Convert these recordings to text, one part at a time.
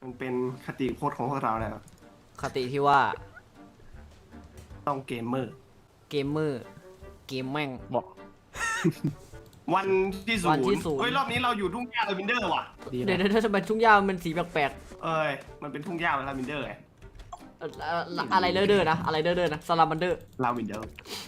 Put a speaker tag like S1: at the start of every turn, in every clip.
S1: มันเป็นคติพจน์ของพวกเราแล้ว
S2: คติที่ว่า
S1: ต้องเกมเมอร์
S2: เกมเมอร์เกมแม่ง
S3: บอก
S1: วันที่ศู
S2: วัน
S1: น
S2: ที่
S1: ย์
S2: ศูนย์
S1: เฮ้ยรอบนี้เราอยู่ทุ่งหญ้าลาวินเดอร์ว่ะ
S3: ดี
S2: เดี๋ยว
S3: นะ
S2: ถ้าทำไมทุ่งหญ้ามันสีแปลก
S1: เอ้ยมันเป็นทุ่งหญ้าลาวินเดอร์ไง
S2: ๆอะไรเด้อๆนะอะไรเด้อๆนะสลามันเดอร์
S1: ลาวินเดอร์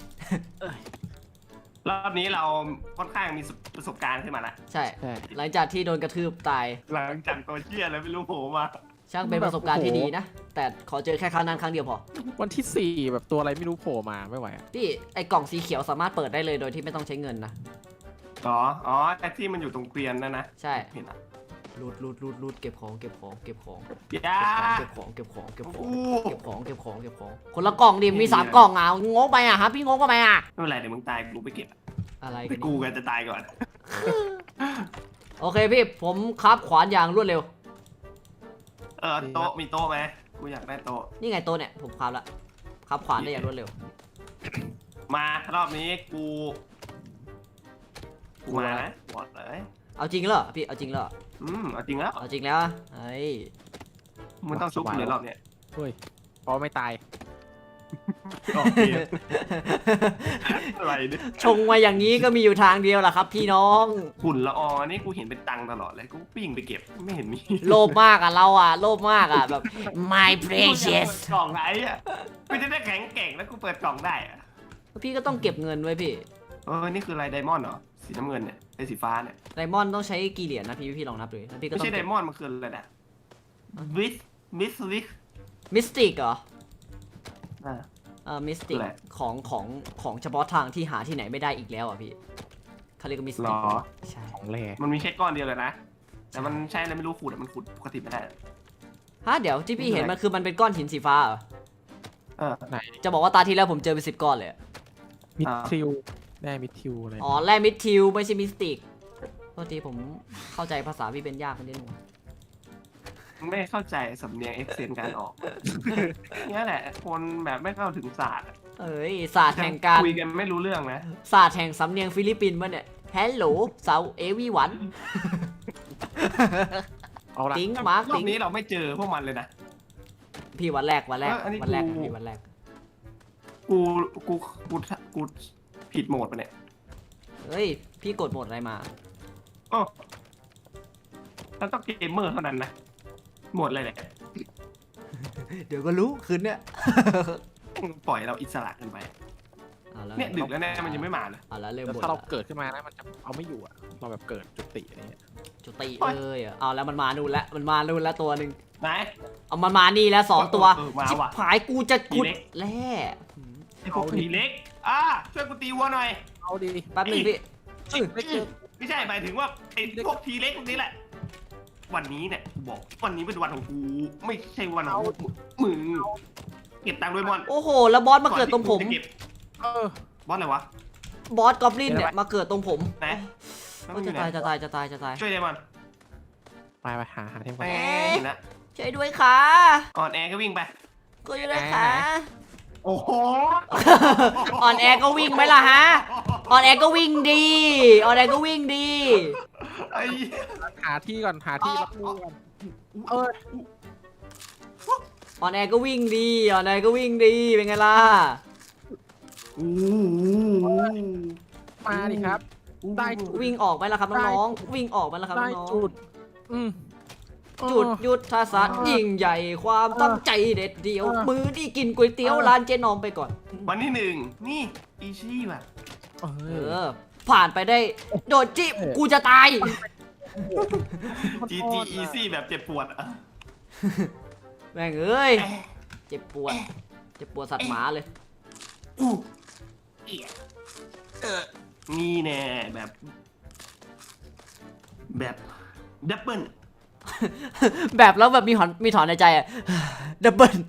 S1: รอบนี้เราค่อนข้างมีประสบการณ์ขึ้นมาละ
S2: ใช่
S3: ใช่
S2: หลังจากที่โดนกระทืบตาย
S1: หลังจากตัวเชี่ยแล้วไม่รู้โผล่มา
S2: ช่างเป็นประสบการณ์ที่ดีนะ แต่ขอเจอแค่ครั้งนั้นครั้งเดียวพอ
S3: วันที่ 4แบบตัวอะไรไม่รู้โผล่มาไม่ไหวอะ
S2: พี่ไอ้กล่องสีเขียวสามารถเปิดได้เลยโดยที่ไม่ต้องใช้เงินนะ
S1: อ๋อไอ้ที่มันอยู่ตรงเกวียนนั่นนะ
S2: ใช่
S1: เห็นอ่ะ
S2: รูดเก็บของเก็บของเก็บของ
S1: ยา
S2: เก็บของเก็บของเก็บของ
S1: อู้
S2: เก็บของเก็บของเก็บของคนละกล่องดิมี3 กล่องอ่ะงงไปอ่ะฮะพี่งงไปอ่ะ
S1: ไม่เป็นไรเดี๋ยวมึงตายกูไปเก็บ
S2: อะไร
S1: ไป
S2: กัน
S1: กู
S2: เนี่ย
S1: กันจะตายก่อน
S2: โอเคพี่ผมครับขวานอย่างรวดเร็ว
S1: โต๊ะมีโต๊ะไหมกูอยากได้โต๊ะ
S2: นี่ไงโต๊ะเนี่ยผมครับละครับขวานได้อย่างรวดเร็ว
S1: มารอบนี้กูมานะบอกเลย
S2: เอาจริงเหรอพี่เอาจริงเหรอ
S1: เอาจริงแล้ว
S2: เอาจริงแล้วเฮ้ย
S1: มันต้องชุบเลยรอบเนี้ย
S3: เฮ้ยเพราะไม่ตาย
S1: โอเคอะไรเนี่ย
S2: ชงมาอย่างนี้ก็มีอยู่ทางเดียวแหละครับ พี่น้อง
S1: ฝุ่นละอองนี่กูเห็นเป็นตังค์ตลอดเลยกูปิ้งไปเก็บไม่เห็นมี
S2: โลภมากอ่ะเราอ่ะโลภมากอ่ะแบบ my
S1: กูจะ
S2: precious
S1: เปิดกล่องไหนอ่ะกูจะได้แข็งแกร่งแล้วกูเปิดกล่องได้อ่ะ
S2: พี่ก็ต้องเก็บเงินไว้พี่
S1: นี่คืออะไรไดมอนด์เหรอสีน้ำเงินเนี่ยไอ้สีฟ้าเนี่ย
S2: ไดมอนด์ต้องใช้กี่เหรียญนะพี่ลองนับดูแล้วพี่ก็
S1: ไม่
S2: ต้อง
S1: ใช่ไดมอนด์มันคืออะไรนะวิสวิส
S2: มิสติกเหรอ
S1: อ่า
S2: มิสติก
S1: อะไร
S2: ของเฉพาะทางที่หาที่ไหนไม่ได้อีกแล้วอ่ะพี่เขาเรียกว่ามิส
S1: หร
S2: ติก
S1: อ
S2: ใช่
S3: ของแร่
S1: มันมีแค่ก้อนเดียวเลยนะแต่มันใช่แล้วไม่รู้ขุดอะมันขุดปกติไม่ได้
S2: ฮะเดี๋ยวที่พี่เห็นมันคือมันเป็นก้อนหินสีฟ้าเหรอ
S3: ไหน
S2: จะบอกว่าตาที่แล้วผมเจอเป็น10 ก้อนเลยอะ
S3: มิดทิวแร่มิดทิวอะไร
S2: อ๋อแร่มิดทิวไม่ใช่มิสติกโทษทีผมเข้าใจภาษาพี่เป็นยากไปนิดนึง
S1: ไม่เข้าใจสำเนียงเอ็กเซนการออก นี่แหละ คนแบบไม่เข้าถึงศาสตร์อะ
S2: เอ้ยศาสตร์แห่งการ
S1: คุยกันไม่รู้เรื่องนะ
S2: ศาสตร์แห่งสำเนียงฟิลิปปินส์มั้เนี่ยฮัลโหลเซาเอวีวัน
S3: เอาละ
S2: ติ้งมาร์ก
S1: รอ
S2: ติ้
S1: บ
S2: ง
S1: นี้เราไม่เจอพวกมันเลยนะ
S2: พี่วันแรก
S1: อันนี้
S2: วันแรก
S1: กู
S2: พี่วันแรก
S1: กูกูผิดโหมดปะเนี่ย
S2: เฮ้ยพี่กดโหมดอะไรมา
S1: โอ้แล้วต้องเกมเมอร์เท่านั้นนะโหมดอะไรเนี่ย
S2: เดี๋ยวก็รู้คืนเนี่ย
S1: ปล่อยเราอิสระกันไป
S2: เอาแล้ว
S1: เนี่ยดึกแล้วแน่มันยังไม่มาเลย
S2: เอาแล้วเริ่ม
S3: แล้ว
S2: บ่น
S3: ถ้าเรา
S2: ละ
S3: เกิดขึ้นมานะมันจะเอาไม่อยู่อะเราแบบเกิดจุติอะไรเงี้ย
S2: จุติเลยอะเอาแล้วมันมานู่นแล้วมันมานู่นแล้วตัวหนึ่ง
S1: ไหน
S2: เอามันมานี่แล้ว2 ตัว
S1: มา
S2: ชิบ
S1: ว่ะ
S2: หายกูจะขุด
S1: ทีเล็ก
S2: แร่
S1: ไอ้พวกทีเล็กช่วยกูตีวัวหน่อย
S3: เอาดี
S2: แป๊บหนึงพี่
S3: ไม่เจอ
S1: ไม่ใช่หมายถึงว่าไอ้พวกทีเล็กพวกนี้แหละ วันนี้เนี่ยกูบอกวันนี้เป็นวันของกูไม่ใช่วันของมึงเก็บตังค์ด้วยมอน
S2: โอ้โหแล้วบอสมาเกิดตรงผม
S1: ก่อนที่กูจะเก็บ
S3: เออบ
S1: อสอะไรวะ
S2: บอสกอบลินเนี่ยมาเกิดตรงผม
S1: ไหน
S2: โอ้ยจะตายจะตายจะตายจะตาย
S1: ช่วยได้มัน
S3: ไปหาเทม
S1: แห
S3: ก่อน
S1: มนะ
S2: ช่วยด้วยค่ะ
S1: อ่อนแอก็วิ่งไป
S2: ช่วยด้วยค่ะ
S1: โอ้โห
S2: อ่อนแอก็วิ่งไหมล่ะฮะอ่อนแอก็วิ่งดีอ่อนแอก็วิ่งดี
S1: ไอ้
S3: หาที่ก่อนหาที่รับมือก่อนเออ
S2: อ่อนแอก็วิ่งดีอ่อนแอก็วิ่งดีเป็นไงล่ะ
S1: โอ้
S3: มาดิครับ ได้
S2: วิ่งออกไหมล่ะครับน้องๆวิ่งออกไหมล่ะครับ
S3: ได้
S2: น้อง
S3: จุดอืม
S2: ๆจุดยุทธศาสตร์ยิ่งใหญ่ความตั้งใจเด็ดเดียว มือที่กินก๋วยเตี๋ยวร้านเจ๊นอมไปก่อน
S1: วันที่1นี่อีชี่ว่ะ
S3: เอ
S2: เอ
S3: อ
S2: อ ผ่านไปได้โดดจิกูจะตาย
S1: GG Easy แบบเจ็บปวดอะ
S2: แม่งเอ้ยเจ็บปวดสัตว์หมาเลย
S1: อู้เอียนี่แน่แบบดับเบิล
S2: แบบแล้วแบบมีถอนในใจอะ ดับเบิล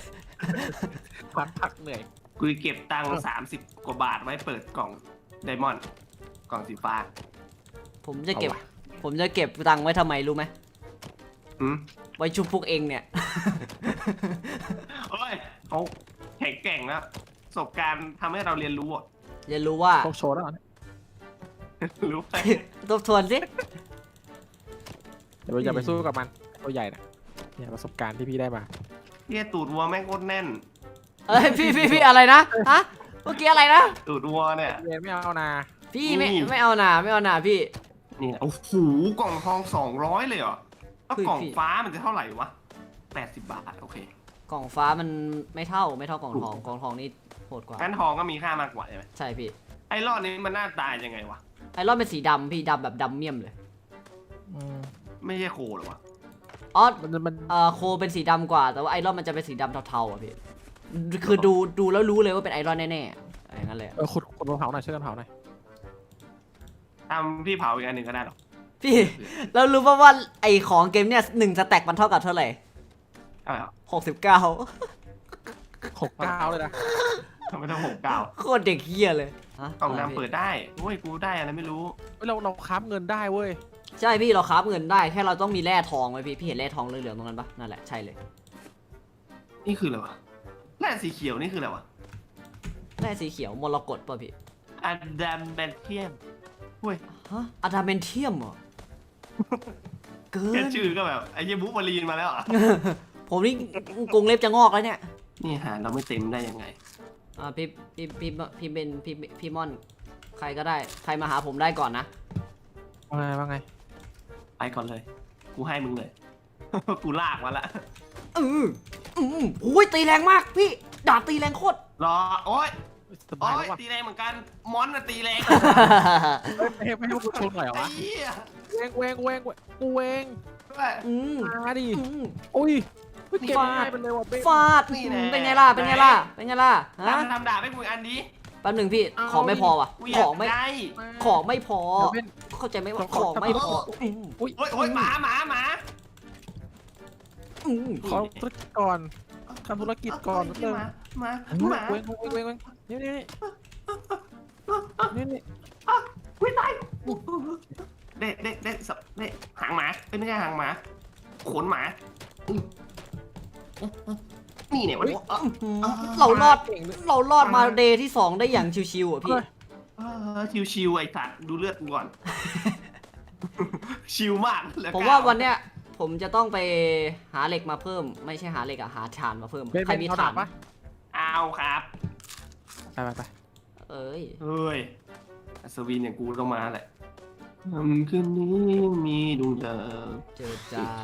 S3: พักเหนื่อย
S1: กูเก็บตังค์30 กว่าบาทไว้เปิดกล่องไดมอนด์กล่องสีฟ้า
S2: ผมจะเก็บตังค์ไว้ทำไมรู้ไหม
S1: อืม
S2: ไว้ชุบพวกเองเนี่ย
S1: โอ้ยเขาแข็งแกร่งแล้วประสบการณ์ทำให้เราเรียนรู้อะ
S2: เรียนรู้ว่า
S3: โชคโชว์แล้วเหรอเนี่ย
S1: รู้ไป
S2: ทบทวนสิ
S3: เดี๋ยวอย่าไปสู้กับมันตัวใหญ่นะเนี่ยประสบการณ์ที่พี่ได้มา
S1: เฮียตูดวัวแม่งโคตรแน่น
S2: เอ้ยพี่อะไรนะฮะเมื่อกี้อะไรนะ
S1: ตูดวัวเนี่ย
S3: เรียนไม่เอานะ
S2: พี่
S1: นี่
S2: ไม่เอาหนาพี่
S1: นี่โอ้โหกล่องทอง200เลยเหรอแล้ว
S2: เฮ้ย
S1: กล่อง
S2: พี่
S1: ฟ้ามันจะเท่าไหร่วะ80 บาทโอเค
S2: กล่องฟ้ามันไม่เท่ากล่องทองกล่องทองนี่โหดกว่า
S1: งั้นทองก็มีค่ามากกว่าใช่ไหม
S2: ใช่พี่
S1: ไอ้รอดนี้มันหน้าตายังไงวะ
S2: ไอรอนเป็นสีดำพี่ดำแบบดำเมี่ยมเลย
S3: อืม
S1: ไม่ใช่โคเหรอวะ
S2: อ๋อ
S3: มัน
S2: โคเป็นสีดำกว่าแต่ว่าไอรอนมันจะเป็นสีดำเทาๆอ่ะพี่คือดูแล้วรู้เลยว่าเป็นไอรอนแน่ๆอะไรอย่างนั้นเลยอะ
S3: ขุดมะพร้าวหน่อยช่วยกันเผาหน่อย
S1: ทำพี่เผาอีกอันหนึ่งก็ได้หรอ
S2: พี่แล้วรู้ป่าวว่าไอของเกมเนี่ย1 สแต็กมันเท่ากับเท่าไหร่
S1: ใช่เหรอ
S2: 69
S3: 69เลยนะ
S1: ทำไมต้อง69
S2: โคตรเด็กเฮียเลยฮะ
S1: กล่องดำเปิดได้โอ้ยกูได้อะไรไม่รู้
S3: เฮ้ยเราค้ำเงินได้เว้ย
S2: ใช่พี่เราคราฟเงินได้แค่เราต้องมีแร่ทองไว้พี่เห็นแร่ทองเหลืองๆตรงนั้นปะนั่นแหละใช่เลย
S1: นี่คืออะไรวะแร่สีเขียวนี่คืออะไรวะ
S2: แร่สีเขียวมรกตป่ะพี่
S1: อะดัมเบนเทียมเว้ย
S2: ฮะอะดามนเทียมเหรอเกิ
S1: แค่
S2: น
S1: ชื่อก็แบบไอ้เหี้ยบุบารีนมาแล้วอ่ะ
S2: ผมนี่กรงเล็บจะงอกแล้วเนี่ย
S1: นี่หาเราไม่เต็มได้ยังไง
S2: พี่เป็นพี่ม่อนใครก็ได้ใครมาหาผมได้ก่อนนะ
S3: ว่าไง
S1: ไปก่อนเลย กูให้มึงเลย กูลากมาละ
S2: อุ้ยตีแรงมากพี่ดาบตีแรงโคตร
S1: รอโอ้ย
S3: ส
S1: โอ้
S3: บาย
S1: ย
S3: แล้วว่ะ
S1: ตีแรงเหมือนกัน มอนน่ะตีแรง
S3: ไม่ให้พวกกูชนหน่อยเหรอ
S1: ไอ้
S3: วะ
S1: เหี้ย
S3: เวงกูเวง
S2: อืม
S3: มาดิ
S2: อืม
S3: อุ้ยเก็บ
S2: ฟาด
S3: ง่ายไปเลยว่ะเบ้
S2: ฟาดเป็นไงล่ะเป็นไงล่ะเป็นไงล่ะฮะ
S1: ทำดาบให้กูอีกอันนี้
S2: แป๊บหนึ่งพี่ของไม่พอว่ะ
S1: กูอ
S2: ข
S1: ยา
S2: อก งไม่
S1: ได้
S2: ของไม่พอ
S3: เดี๋ยวเป็น
S2: เข้าใจไหมว่า
S3: ข
S2: ข
S3: อ
S2: องไม่พออืม
S3: อุ้ย
S1: โอ้ยโอ้ยหมา
S2: อืม
S3: ขอธุรกิจก่อนทำธุรกิจก่อนนิดนึง
S1: มา
S3: เวงนี่นี่
S1: อุ้ยตายเด็กสับเด็กหางหมาไม่ใช่หางหมาขนหมานี่เนี่ยวะ
S2: เรารอด
S3: เก่งด้วย
S2: เรารอดมาเดย์ที่ 2 ได้อย่างชิวๆอ่ะพี่
S1: ชิวๆไอ้สัตว์ดูเลือดกูก่อน ชิวมากเหลือ
S2: ผมว่าวันเนี้ยผมจะต้องไปหาเหล็กมาเพิ่ม ไม่ใช่หาเหล็กอะหาถ่านมาเพิ่ม
S3: เป็น
S2: ใครมี
S3: เอา
S2: ถ่า
S3: ดาน บปะ
S1: เอาครับ
S3: ไป
S2: เอ้ย
S1: เฮ้ยอัศวินอย่างกูต้องมาแหละคืนนี้มีดวงดาว
S2: เจอจ้า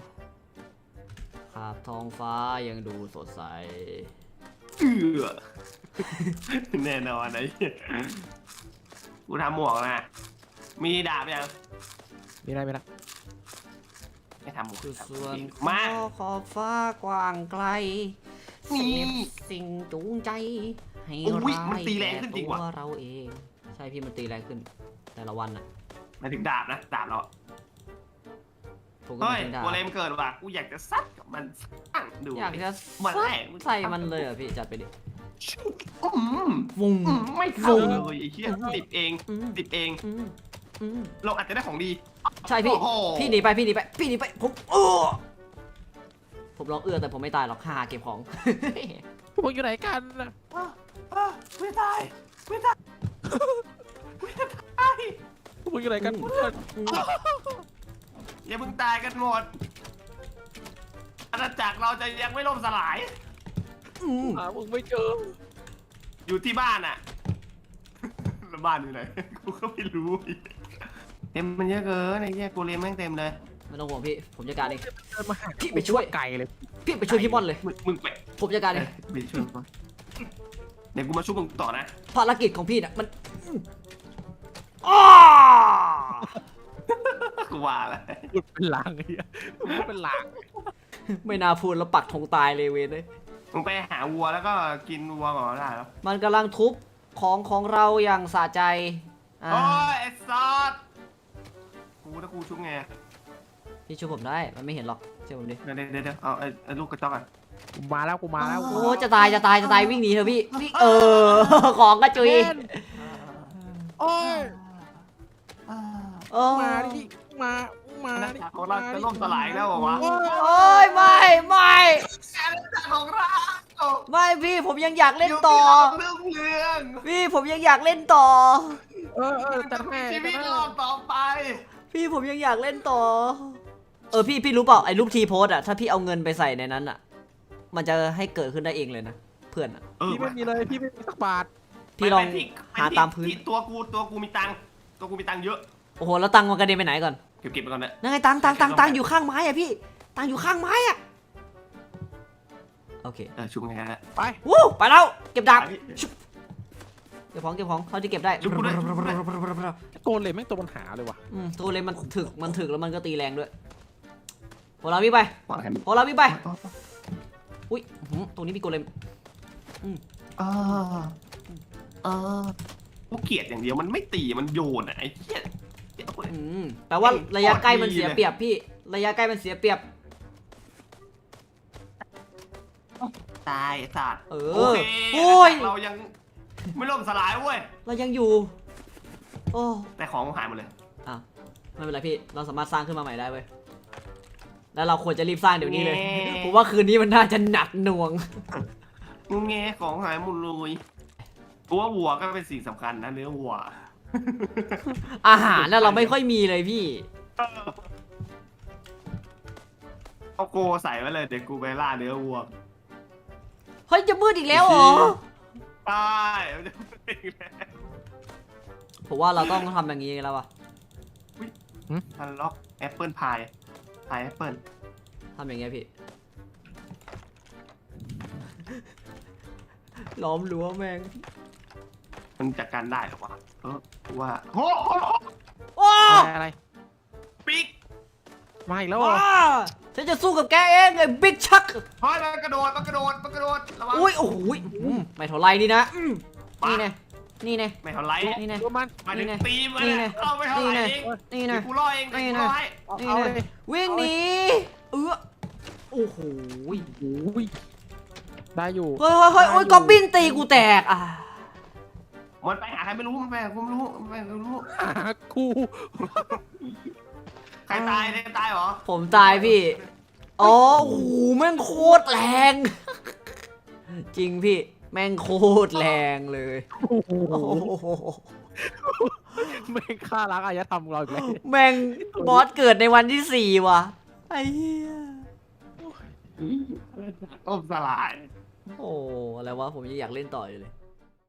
S2: ครับท้องฟ้ายังดูสดใส
S1: เอือแน่นอนไอ้เหี้ยกูทำหมวกนะมีดาบยัง
S3: มีอะไร
S1: ไม่ทำหมวก
S2: คือ
S1: ทำ
S2: ส่วน
S1: มา
S2: ขอบฟ้ากว้างไกล
S1: นี่
S2: เสพสิ่งจูงใจให้
S1: โอ้ย
S2: ร้า
S1: มัน
S2: ย
S1: ตีแรงขึ้นจริงว่ะ
S2: แก่ตัวเราเอง ใช่พี่มันตีแรงขึ้น แต่ละวันอะ
S1: หมายถึงดาบนะดาบเรา
S2: ผมก็
S1: เฮ้ย
S2: ไม่ได้
S1: โกเลมเกิดว่ะกูอยากจะซัดกับมันสั่งดู
S2: อยากจะ
S1: มัน
S2: ซัด
S1: แรก
S2: ใส่มันเลยอ่ะพี่จัดไปดิ
S1: อืม
S2: วุ้ง
S1: ไม่เข้าเลยไอ้เหี้ยติดเอง
S2: อืม
S1: ติดเอง
S2: อืมอืม
S1: เราอาจจะได้ของดี
S2: ใช่พี่
S1: โอ้โห
S2: พี่หนีไปผมร้องแต่ผมไม่ตายหรอกฮ่าเก็บของ
S3: พวกอยู่ไหนกันน่ะ
S1: ไม่ตายไม่ตายไม่ตาย
S3: พวกอยู่ไหนกันเพื่อน
S1: อย่าเพิ่งตายกันหมดอาณาจักรเราจะยังไม่ล่มสลาย
S2: อืม
S3: หามึงไม่เจอ
S1: อยู่ที่บ้านอะแล้วบ้านอยู่ไหนกูก็ไม่รู้เต็มมันเยอะเกินไอ้เหี้ยกูเรียนแม่งเต็มเลย
S2: ไม่ต้องห่วงพี่ผมจัดการเอง
S3: เดินมาหา
S2: พี่ไปช่วย
S3: ไก่เลย
S2: พี่ไปช่วยพี่บอลเลย
S1: มึงไป
S2: ผมจัดการเอง
S1: ไปช่วยก่อนเดี๋ยวกูมาช่วยมึงต่อนะ
S2: ภารกิจของพี่น่ะมันอ้า
S1: กูว่าอะไร
S3: หลุดเป็นหลังไอ้เหี้ยหลุดเป็นหลัง
S2: ไม่น่าพูดแล้วปักธงตายเลยเวนเลย
S1: มึงไปหาวัวแล้วก็กินวัวก่อนได้แล้ว
S2: มันกำลังทุบของเราอย่างสะใจอ่า
S1: โอ้ยไอ้ซอสกูถ้ากูชุบไง
S2: พี่ช่วยผมได้มันไม่เห็นหรอกเชื่อผมดิ
S1: เดี๋ยวเอาไอ้ลูกกระจอกกัน
S3: กูมาแล้ว
S2: โอ้จะตายวิ่งหนีเถอะพี่ของกระจุย
S3: โอ้ย
S2: โอ้
S3: มาดิมา
S1: อาณาจักรของเราจะล่มสลายแล้วเหรอวะ
S2: โอ้ยไม่
S1: อาณาจักรของเรา
S2: ไม่พี่ผมยังอยากเล่นต่อ
S1: เรื่องเรื่อง
S2: พี่ผมยังอยากเล่นต่อ
S3: จัดให้
S1: ชีวิตรอดต่อไป
S2: พี่ผมยังอยากเล่นต่อพี่รู้เปล่าไอ้รูปทีโพสอะถ้าพี่เอาเงินไปใส่ในนั้นอะมันจะให้เกิดขึ้นได้เองเลยนะเพื่อนอะ
S3: พี่ไม่มีเลยพี่ไม่มีสักบาท
S2: พี่ลองหาตามพื้น
S1: ตัวกูมีตังค์เยอะ
S2: โอ้โหแล้วตังค์มันกระเด็นไปไหนก่อน
S1: เก็บไปก่อนนะ
S2: นั่นไงตังค์อยู่ข้างไม้อะพี่ตังค์อยู่ข้างไม้อะโอเค
S1: ชุบไงฮะ
S3: ไป
S2: วู้ไปแล้วเก็บดาบ
S1: พี่
S2: เก็บของเท่าที่เก็บได้
S1: ชุบกูด้วย
S3: โกนเลยแม่งตัวปัญหาเลยว่ะ
S2: ตัวเลยมันถึกแล้วมันก็ตีแรงด้วยพอเราวิ่งไป
S1: วางแผน
S2: พอเราวิ่งไปอุ้ยตรงนี้มีโกเลม
S1: กูเกลียดอย่างเดียวมันไม่ตีมันโยนอ่ะไอ้เหี้ย
S2: แปลว่าระยะใกล้มันเสียเปรียบพี่ระยะใกล้มันเสียเปรียบ
S1: ตายไอ้สัตว์
S2: โอ้
S1: โอย เรายังไม่ล่มสลายเว้ย
S2: เรายังอยู่โอ้
S1: แต่ของหายหมดเลย
S2: อ้าวไม่เป็นไรพี่เราสามารถสร้างขึ้นมาใหม่ได้เว้ยแล้วเราควรจะรีบสร้างเดี๋ยวนี้เลยผมว่าคืนนี้มันน่าจะหนักหน่วง
S1: งูแงของหายหมดเลยกูว่าวัวก็เป็นสิ่งสำคัญนะเนื้อวัว
S2: อาหารน่ะเราไม่ค่อยมีเลยพี่
S1: เอาโกใส่ไว้เลยเดี๋ยวกูไปล่าเนื้อวัว
S2: เฮ้ยจะมืดอีกแล้วเหรอ
S1: ตายมันจะเป็นอีกแล้ว
S2: ผมว่าเราต้องทำอย่างนี้แล้ววะ
S1: ทันล็อกแอปเปิลพายแอปเปิล
S2: ทำอย่างเงี้ยพี่ ล้อมรั้วแม่ง
S1: มันจัดการได้หรอวะว่าโอ้
S2: โอ้
S3: อะไร
S1: ปิ๊ก
S3: มาอีกแล้วเหรอ
S2: ฉันจะสู้กับแกเองไอ้บิ๊กชัก
S1: เฮ้ยมันกระโดดระวัง
S2: อุ้ยโอ้โหไม่เท่าไรนี่นะนี่ไงนี่ไง
S1: ไม่เท่าไร
S2: นี่ไง
S3: ดูมัน
S1: มาถึ
S2: นี่
S1: ง
S2: ไง
S1: ตีมัน
S2: นี่ไง
S1: เข้าไม่เท่าไรเอง
S2: นี่ไง
S1: กูรอเองกูรอให้
S3: เอา
S2: นี่
S3: เอา
S2: ไง
S3: เลย
S2: วิ่งหนีโอ้โห
S3: โอ้ยได้อยู่
S2: เฮ้ยโอ้ยกอบบินตีกูแตกอ่ะ
S1: มันไปหาใครไม่รู้มันไปหากูไม่รู้มันไปหากูไม่รู้
S3: หากู
S1: ใครตายเนี่ยตายเหรอ
S2: ผมตายพี่อ๋อโอ้โหแม่งโคตรแรง จริงพี่แม่งโคตรแรงเลย
S3: โอ้โห
S2: โอ้โห
S3: แม่งฆ่าล้างอารยธรรมเราอีกแล้ว
S2: แม่งบอสเกิดในวันที่ 4ว่ะไอ้เหี้ย
S1: ต้มสลาย
S2: โอ้อะไรวะผมยังอยากเล่นต่ออยู่เลย